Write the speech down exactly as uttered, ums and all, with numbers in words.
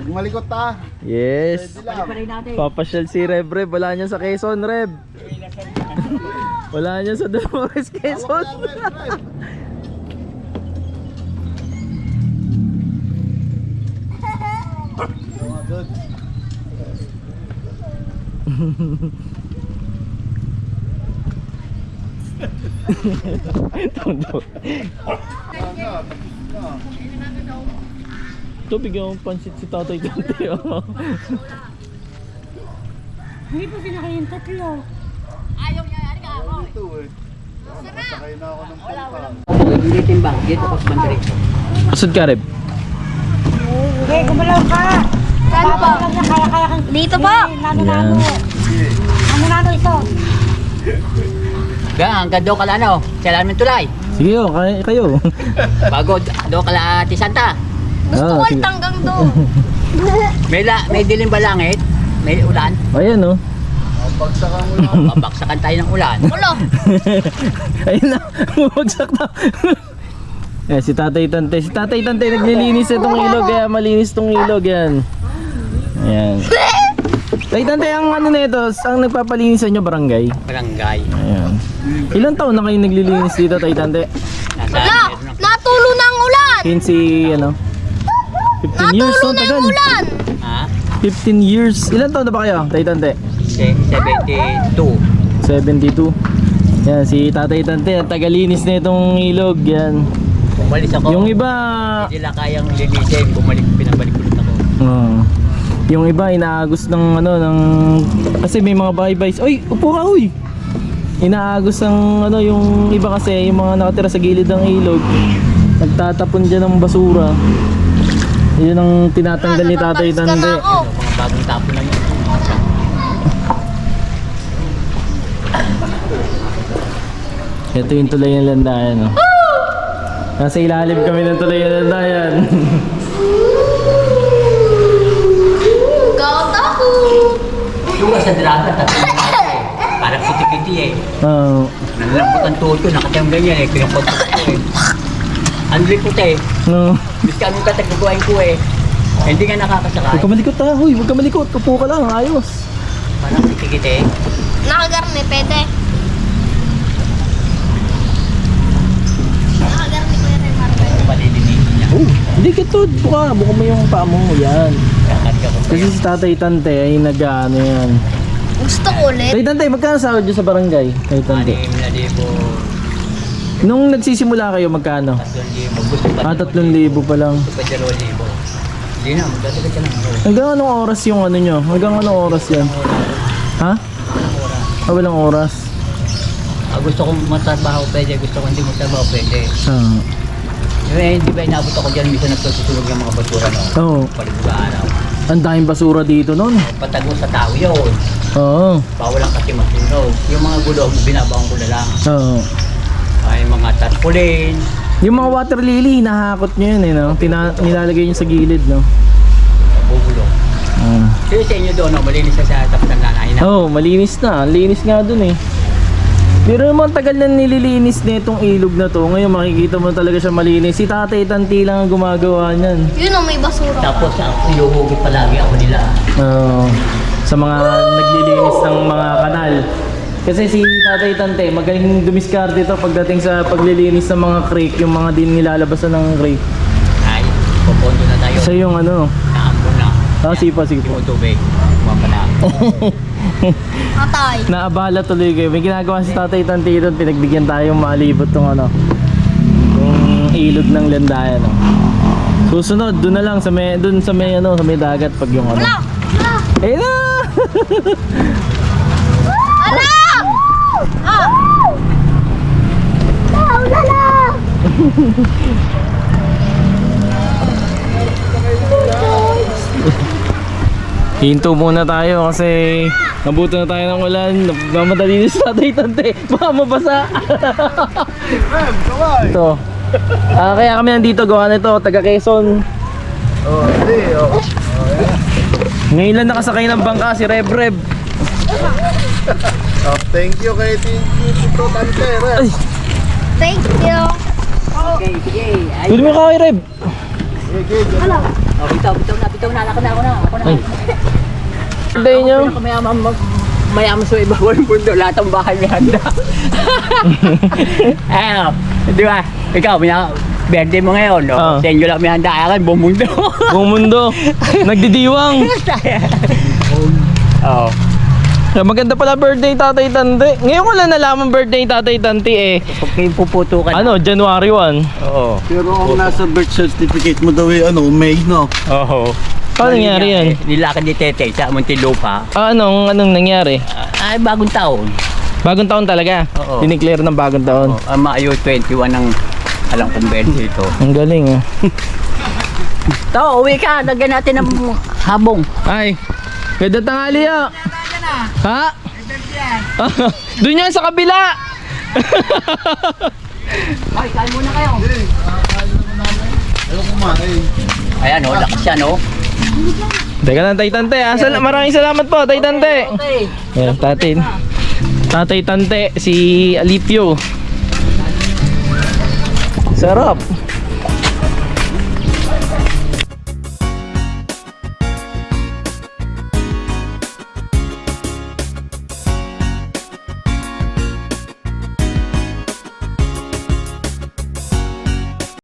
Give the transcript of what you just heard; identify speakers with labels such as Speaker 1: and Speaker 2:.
Speaker 1: Huwag malikot ha.
Speaker 2: Yes. Papasyal si Reb Reb. Wala niya sa Quezon, Reb. Wala niya sa Dolores, Quezon. Ito, bigyan mong pansit si Tatay Dante.
Speaker 3: Hindi po sinakayin tatlo. Ayaw niya, ano ka ako?
Speaker 1: Ito eh. Sakay na ako ng pangka.
Speaker 4: Hindi timbang, dito ko sa bandiretso.
Speaker 2: Pasod ka, Reb.
Speaker 3: Okay, gumalaw ka.
Speaker 5: Saan po?
Speaker 3: Kaya-kaya kang...
Speaker 5: Dito po.
Speaker 3: Nano-nano. Nano-nano ito.
Speaker 4: Ga, hanggang doon ka lang ano, kailangan tulay.
Speaker 2: Sige, oh, kay kayo.
Speaker 4: Bago doon ka lang Ate Santa.
Speaker 5: Gusto
Speaker 2: Ah,
Speaker 5: ko
Speaker 2: sige.
Speaker 5: hanggang doon.
Speaker 4: May, la, may dilim ba langit? May ulan?
Speaker 2: Ayan, oh.
Speaker 1: Pagsakan mo lang.
Speaker 4: Babaksakan tayo ng ulan.
Speaker 5: Ulo.
Speaker 2: Ayun na, bumagsak na. Eh, si Tatay Tante. Si Tatay Tante naglilinis itong ilog. Kaya malinis itong ilog yan. Ayan. Tatay Tante, ang ano na ito, ang nagpapalinis sa inyo, barangay.
Speaker 4: Barangay.
Speaker 2: Ayan. Ilang taon na kayo naglilinis dito, Tatay Tante?
Speaker 4: Nasa,
Speaker 5: Wala.
Speaker 4: meron ng-
Speaker 5: Natulo ng ulan.
Speaker 2: fifteen, ano? fifteen years,
Speaker 5: Natulo
Speaker 2: no?
Speaker 5: ng
Speaker 2: Tagal.
Speaker 5: ulan.
Speaker 4: Ha?
Speaker 2: fifteen years. Ilang taon na ba kayo, Tatay Tante?
Speaker 4: Se- seventy-two.
Speaker 2: seventy-two. Yan, si Tatay Tante, ang tagalinis na itong ilog. Yan.
Speaker 4: Umalis ako.
Speaker 2: Yung iba,
Speaker 4: Hindi nila kayang linisin. Bumalik, pinabalik ulit ako.
Speaker 2: uh, yung iba inaagos ng ano, ng, kasi may mga bahay-bays. Uy, upo ka, uy! Inaagos ng ano, yung iba kasi, yung mga nakatira sa gilid ng ilog, nagtatapon dyan ng basura. Yun ang tinatanggal ni Tatay
Speaker 5: Nababalis ka na
Speaker 2: Tante.
Speaker 5: ako.
Speaker 4: Mga bagong tapon na yun.
Speaker 2: Ito yung tulay ng landayan, no? Nasa ilalim kami ng tulay ng landayan.
Speaker 5: Gawat ako.
Speaker 4: Yung sa draga, tatlo na ako eh. Parang kiti-kiti eh.
Speaker 2: Oo.
Speaker 4: Nalalambot ang tuhod ko, nakatiyang ganyan eh. Pinapunta ko eh. Ang likot eh.
Speaker 2: No.
Speaker 4: Bis ka anong katagagawain ko eh. Hindi nga nakakasakay.
Speaker 2: Huwag ka malikot ha, huy, huwag ka malikot. Upo ka lang, ayos.
Speaker 4: Parang kiti-kiti eh.
Speaker 5: Nakagarni, pwede. Nakagarni ko yun, Marvel.
Speaker 4: Palilinisin niya.
Speaker 2: Oh, hindi kitod. Buka, buka mo yung paa mo. Yan.
Speaker 4: Kakarga ko pa
Speaker 2: Kasi
Speaker 4: yun.
Speaker 2: si Tatay Tante ay nag-ano yan.
Speaker 5: Gusto ko ulit.
Speaker 2: Tatay Tante, magkano sahod nyo sa barangay? Tatay Tante.
Speaker 4: Anim na libo.
Speaker 2: Nung nagsisimula kayo, magkano?
Speaker 4: Tatlong libo. Gusto pa.
Speaker 2: Ah, tatlong libo pa lang.
Speaker 4: Gusto pa dalawang libo. Hindi na, magdadagat ka lang. Oh.
Speaker 2: Hanggang anong oras yung ano nyo? Hanggang anong oras yan? Ha? Ah, walang oras.
Speaker 4: Ah, gusto kong matrabaho pwede. Gusto kong hindi matrabaho pwede.
Speaker 2: Ah.
Speaker 4: Eh, hindi ba inabot ako dyan? Minsan nagtutulog ng mga basura no?
Speaker 2: Oo.
Speaker 4: Palibuga araw.
Speaker 2: Ang daming basura dito nun.
Speaker 4: Patago sa tao yun.
Speaker 2: Oo.
Speaker 4: Bawal lang kasi masunog. Yung mga gulong, binabaong ko na lang.
Speaker 2: Oo.
Speaker 4: Ay, mga tarpaulin.
Speaker 2: Yung mga water lily, nahakot nyo yun eh, no? Tina nilalagay nyo sa gilid, no?
Speaker 4: Bubulong.
Speaker 2: Ah.
Speaker 4: Kasi sa inyo doon, no, malinis na sa tapos ng nanay na.
Speaker 2: Oo, oh, malinis na. Linis nga dun eh. Pero naman tagal na nililinis na itong ilog na to. Ngayon makikita mo talaga siya malinis. Si Tatay Tanti lang ang gumagawa niyan.
Speaker 5: Yun o, may basura.
Speaker 4: Tapos ako iluhugit palagi ako nila.
Speaker 2: Oo. Sa mga naglilinis ng mga kanal. Kasi si Tatay Tante, magaling dumiskarte ito pagdating sa paglilinis ng mga creek, yung mga din nilalabasan ng creek.
Speaker 4: Ay, pupondo na tayo.
Speaker 2: Sa yung ano,
Speaker 4: Naambon na.
Speaker 2: ah, sipa, sige po.
Speaker 4: Yung tubig. Mapala.
Speaker 5: Atay.
Speaker 2: Naabala tuloy kayo. May ginagawa si Tatay Tante doon, pinagbigyan tayong maalibot tong ano, yung ilog ng landayan. No? Susunod, doon na lang sa may, doon sa may ano, sa may dagat pag yung ano.
Speaker 5: Wala! Wala!
Speaker 2: Eh na!
Speaker 5: Wala! Ah! Wala!
Speaker 2: Hinto muna tayo kasi nabuto na tayo ng ulan. Mamadali na si Tatay Tante. Baka mabasa.
Speaker 1: Rem, kaway.
Speaker 2: Ito. Ah, kaya kami nandito gawa nito, taga Quezon.
Speaker 1: Oh, hindi. Oh.
Speaker 2: Ngayon lang nakasakay ng bangka si Reb Reb.
Speaker 1: Oh, thank you kay Tito Tante, Rem.
Speaker 2: Ay,
Speaker 5: Thank you.
Speaker 4: Okay, sige. Ay,
Speaker 2: tuloy mo ka kay Reb.
Speaker 1: Okay, good.
Speaker 5: Ano?
Speaker 4: Oh, bitaw, bitaw na, bitaw na, ako na, ako na, ako na.
Speaker 2: Ay. Birthday nyo.
Speaker 4: Ako mayaman, mayaman sa iba ng mundo, lahat ng bahay may handa. Ano, di ba? Ikaw, may birthday mo ngayon, no?
Speaker 2: Oo.
Speaker 4: Sa inyo lang may handa, akin, buong mundo.
Speaker 2: Buong mundo. Nagdidiwang.
Speaker 4: Oo.
Speaker 2: Yeah, maganda pala birthday Tatay Tante. Ngayon ko lang nalaman birthday Tatay Tante eh.
Speaker 4: Pag kayo puputo ka na.
Speaker 2: Ano, January first.
Speaker 4: Oo.
Speaker 1: Pero ang nasa birth certificate mo daw eh, ano, May, no?
Speaker 4: Oo.
Speaker 2: Paano nangyari yan?
Speaker 4: Nilakad ni Tete sa Muntinlupa.
Speaker 2: Ah, anong, anong nangyari?
Speaker 4: Ay, bagong taon.
Speaker 2: Bagong taon talaga?
Speaker 4: Oo.
Speaker 2: Dineclare ng bagong taon.
Speaker 4: Oh, ang Maayo twenty-one ang alam kong birthday ito.
Speaker 2: Ang galing ah.
Speaker 4: To, uwi ka. Lagyan natin ng habong.
Speaker 2: Ay, ganda tanghali ah. Ha? Doon yan sa kabila.
Speaker 4: Ay, kain muna kayo.
Speaker 1: Hindi, kakain naman namin. Ayaw kumain.
Speaker 4: Ayan, oh, lakas yan, oh.
Speaker 2: Teka lang, Tay Tante. Ah, sal- maraming salamat po, Tay Tante.
Speaker 4: Okay.
Speaker 2: Ayan, tatay. Tatay Tante, si Alipio. Sarap.